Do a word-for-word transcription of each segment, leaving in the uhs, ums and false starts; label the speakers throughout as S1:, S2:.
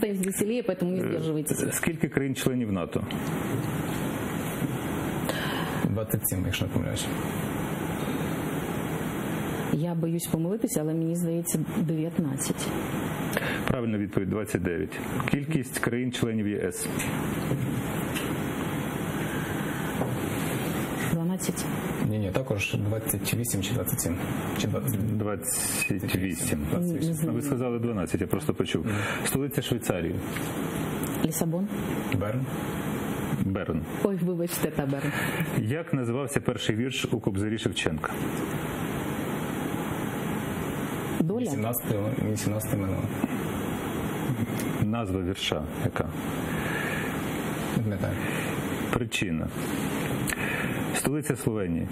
S1: становится веселее, поэтому не сдерживайтесь.
S2: Скільки країн-членів НАТО?
S3: двадцять сім, якщо не помиляюсь.
S1: Я боюсь помилитися, але мені здається дев'ятнадцять.
S2: Правильна відповідь – двадцять дев'ять. Кількість країн-членів ЄС?
S1: дванадцять.
S3: Ні-ні, також двадцять вісім чи двадцять сім. Чи двадцять...
S2: двадцять вісім.
S1: Не знаю.
S2: Ви сказали дванадцять, я просто почув. Столиця Швейцарії?
S1: Лісабон.
S3: Берн.
S2: Берн.
S1: Ой, вибачте, та Берн.
S2: Як називався перший вірш у Кобзарі Шевченка?
S1: Доля.
S3: вісімнадцяте минуло.
S2: Назва вірша яка?
S3: Не пам'ятаю.
S2: Причина. Столиця Словенії?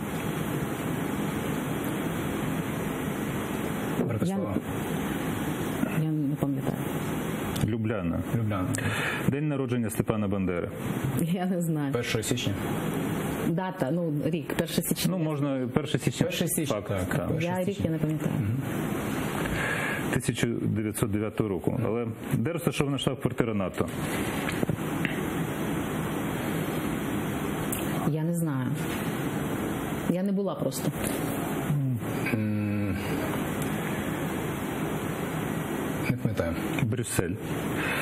S3: Братислава.
S1: Я, я не пам'ятаю.
S2: Любляна.
S3: Любляна.
S2: День народження Степана Бандери?
S1: Я не знаю.
S3: першого січня.
S1: Дата, ну, рік, перше січня.
S2: Ну, можна перше січня.
S3: перше січня,
S2: Факт,
S3: так.
S2: так.
S1: Я рік я не пам'ятаю.
S2: тисяча дев'ятсот дев'ятого року. Але де розташована штаб-квартира НАТО?
S1: Я не знаю. Я не була просто.
S3: Не пам'ятаю.
S2: Брюссель.